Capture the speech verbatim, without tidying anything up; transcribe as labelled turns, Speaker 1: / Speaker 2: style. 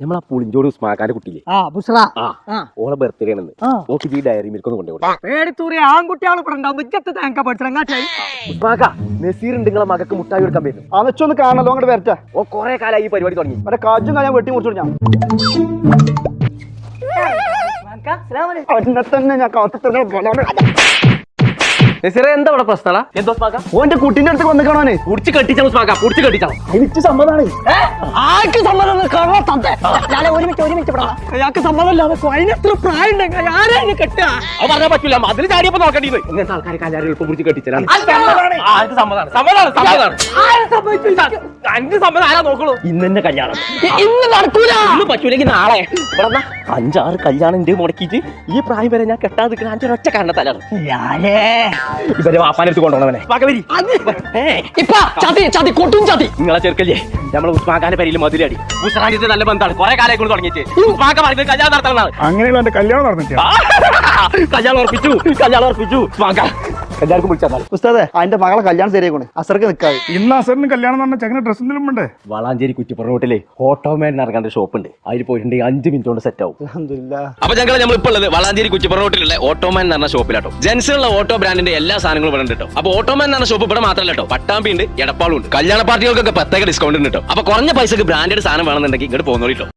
Speaker 1: നമ്മളാ പുളിഞ്ചോട് ഉസ്മാക്കാന്റെ കുട്ടിയില്ലേ
Speaker 2: ആ ബുസ്ര
Speaker 1: ആ ഓളെ ബർത്ത്ഡേ ആണെന്ന് ഓക്ക് ഈ ഡയറി മിൽക്ക് ഒന്ന് കൊണ്ടുപോകും
Speaker 2: പേടിത്തൂറി ആൺകുട്ടികൾ ഇവിടെ ഉണ്ടാവും മിച്ചത്ത് തേങ്ങ പഠിച്ചങ്ങാട്ടായി
Speaker 1: ഉസ്മാക്ക നസീർ ഉണ്ട് നിങ്ങളെ മകക്ക് മുട്ടായി കൊടുക്കാൻ വരുന്നു
Speaker 3: ആ വെച്ചൊന്ന് കാണല്ലോ അങ്ങോട്ട് വരട്ടെ.
Speaker 1: ഓ കൊറേ കാലമായി ഈ പരിപാടി തുടങ്ങി
Speaker 3: മറ്റേ കാജും കാര്യം വെട്ടി മുറിച്ചോളൂ ഞാൻ എന്നെ തന്നെ ഞാൻ കാത്തു
Speaker 1: നസീറെ എന്താ ഇവിടെ പ്രശ്നമാ എന്താ ഉസ്മാക്ക
Speaker 3: ഓന്റെ കുട്ടീന്റെ അടുത്ത് വന്ന് കാണാനേ
Speaker 1: പുടിച്ച് കെട്ടിച്ചാ ഉസ്മാക്ക പുടിച്ച് കെട്ടിച്ചാ
Speaker 3: എനിക്ക് സമ്മതമാണ്.
Speaker 2: ആർക്ക് സമ്മതം ഞാൻ ഒരു മിനിറ്റ് ഒരു മിനിറ്റ് അയാൾക്ക് സമ്മതമില്ലാതെ അതിനെത്ര പ്രായം ഉണ്ടെങ്കിൽ ആരെയും കെട്ടുക
Speaker 1: അത് പറഞ്ഞാൽ പറ്റൂല അതിന് ചാടിയപ്പോ നോക്കേണ്ടി ഇങ്ങനത്തെ ആൾക്കാരെ കല്യാണം എളുപ്പം പിടിച്ച് കെട്ടിച്ചാലാണ് ആർക്ക് സമ്മതമാണ് സമ്മതമാണ് സമ്മതമാണ് അഞ്ച് സമ്മതം ആരാ നോക്കണു ഇന്ന് തന്നെ കല്യാണം
Speaker 2: ഇന്ന് നടക്കൂല
Speaker 1: ഇന്ന് പറ്റൂലെങ്കിൽ നാളെ ഇവിടെ അഞ്ചാറ് കല്യാണം ഉണ്ട് മുടക്കിയിട്ട് ഈ പ്രായം വരെ ഞാൻ കെട്ടാതെ നിൽക്കുന്ന അഞ്ചൊരൊറ്റ കാരണത്താലാണ് ഇവരെ വാപ്പാനെടുത്ത് കൊണ്ടുപോകണവനെ നിങ്ങളെ ചെറുക്കല്ലേ നമ്മളെ ഉസ്മാക്കാന്റെ പേരിൽ മതിലടി ഉസ്മാന്റെ നല്ല ബന്ധമാണ് കുറെ കാലം കൊണ്ട് തുടങ്ങിയിട്ട് ഉസ്മാക്ക പറയുന്നത് കല്യാണം നടത്തണമെന്നാണ്
Speaker 3: അങ്ങനെയുള്ള എന്റെ കല്യാണം നടന്നിട്ടാ
Speaker 1: കല്യാണം ഉറപ്പിച്ചു കല്യാണം ഉറപ്പിച്ചു ഉസ്മാക്ക എല്ലാവർക്കും വിളിച്ചാൽ
Speaker 3: ഉസ്താദേ അതിന്റെ മകളെ കല്യാണം ശരിയാക്കണേ അസർക്ക് നിൽക്കാതെ
Speaker 4: ഇന്ന് അസറിന് കല്യാണം എന്ന് പറഞ്ഞാൽ ചെങ്ങനെ ഡ്രസ് എന്തെങ്കിലും ഉണ്ട്.
Speaker 1: വളാഞ്ചേരി കുറ്റിപ്പുറം റോട്ടിലെ ഓട്ടോമാൻ ഇറങ്ങാണ്ട് ഷോപ്പ് ഉണ്ട് അതിൽ പോയിട്ടുണ്ടെങ്കിൽ അഞ്ച് മിനിറ്റ് കൊണ്ട് സെറ്റ് ആവും.
Speaker 3: അൽഹംദുലില്ലാ.
Speaker 1: അപ്പൊ ഞങ്ങൾ നമ്മൾ ഇപ്പോൾ ഉള്ളത് വളാഞ്ചേരി കുറ്റിപ്പുറം റോട്ടിലുള്ള ഓട്ടോമാൻ എന്ന് പറഞ്ഞ ഷോപ്പിലാട്ടോ. ജെൻസുള്ള ഓട്ടോ ബ്രാൻഡിന്റെ എല്ലാ സാധനങ്ങളും ഇവിടെ ഉണ്ട് കേട്ടോ. അപ്പൊ ഓട്ടോമാൻ എന്ന് പറഞ്ഞ ഷോപ്പ് ഇവിടെ മാത്രമല്ല കേട്ടോ, പട്ടാമ്പി ഉണ്ട്, എടപ്പാളും ഉണ്ട്. കല്യാണ പാർട്ടികൾക്കൊക്കെ പ്രത്യേക ഡിസ്കൗണ്ട് ഉണ്ട് കേട്ടോ. അപ്പൊ കുറഞ്ഞ പൈസക്ക് ബ്രാൻഡഡ് സാധനം വേണമെന്നുണ്ടെങ്കിൽ ഇങ്ങോട്ട് പോകുന്നോളിട്ടോ.